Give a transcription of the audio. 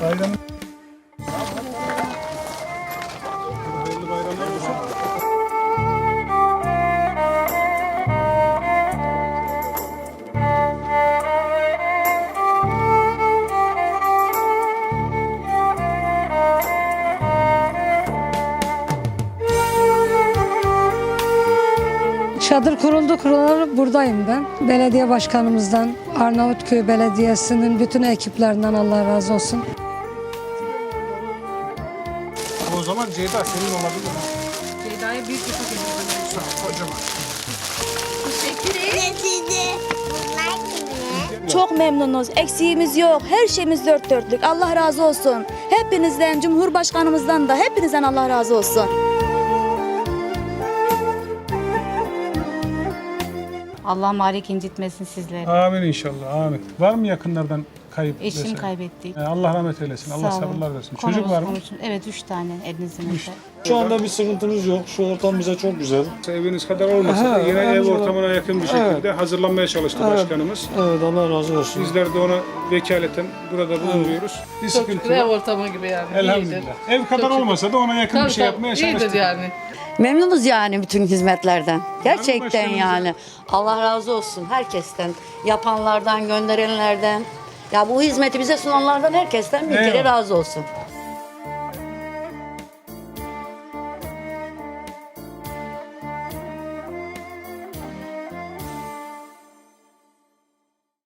Bayramın hayırlı bayramlar olsun. Çadır kurulalı buradayım ben. Belediye başkanımızdan, Arnavutköy Belediyesi'nin bütün ekiplerinden Allah razı olsun. O zaman Ceyda senin olabilir mi? Ceyda'ya büyük bir kutu getirdim. Sağ ol, kocaman. Teşekkür ederim. Çok memnunuz. Eksiğimiz yok. Her şeyimiz dört dörtlük. Allah razı olsun. Hepinizden, Cumhurbaşkanımızdan da hepinizden Allah razı olsun. Allah malik incitmesin sizleri. Amin inşallah, amin. Var mı yakınlardan kayıp? Eşim vesaire? kaybettik. Allah rahmet eylesin, Allah Sağ olun. sabırlar versin. Konumuz Çocuk var mı? konuşun. Evet 3 tane elinizin önünde. Şu anda bir sıkıntımız yok. Şu ortam bize çok güzel. Eviniz kadar olmasa da yine ev Elhamdülillah. ortamına yakın bir şekilde hazırlanmaya çalıştı başkanımız. Evet, Allah razı olsun. Bizler de ona vekaleten burada bulunuyoruz. Bir Çok sıkıntı şükür ev yok. ortamı gibi yani. Elhamdülillah. İyidir. Ev kadar Çok şükür. olmasa da ona yakın bir Tabii, şey tabii, yapmaya iyidir çalıştık. yani. Memnunuz yani bütün hizmetlerden. Gerçekten başkanımıza? yani. Allah razı olsun herkesten. Yapanlardan, gönderenlerden. Ya bu hizmeti bize sunanlardan herkesten bir kere Eyvallah. razı olsun.